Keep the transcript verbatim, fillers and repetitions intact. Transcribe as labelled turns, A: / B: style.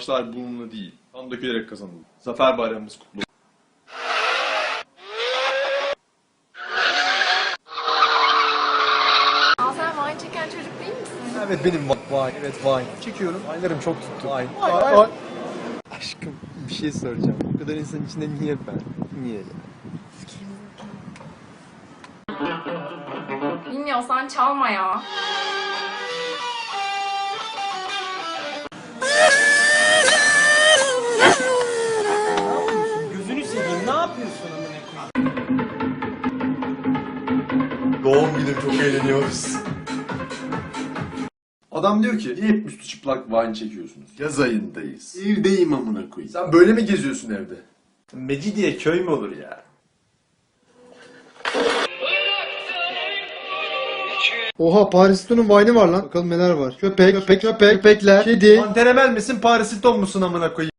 A: savaşlar bununla değil, kan dökülerek kazanıldı. Zafer bayramımız kutlu olsun.
B: Aa, sen wine çeken çocuk değil misin?
C: Evet benim vay, evet vay. Çekiyorum. Aylarım çok tuttu. Vay. Vay. Vay. Aşkım bir şey soracağım. Bu kadar insan içinde niye ben? Niye?
B: Bilmiyorsan çalma ya.
C: Gözünü seveyim. Ne yapıyorsun amına koyayım?
A: Doğum günü çok eğleniyoruz. Adam diyor ki, niye hep üstü çıplak wine çekiyorsunuz?
D: Yaz ayındayız. Evdeyim amına koyayım.
A: Sen böyle mi geziyorsun evde?
D: Mecidiye köy mü olur ya?
E: Oha Paris Hilton'un vine'ı var lan. Bakalım neler var. Köpek, köpek, köpek, köpekler, kedi.
D: Pantenemel misin Paris Hilton musun amına koyayım?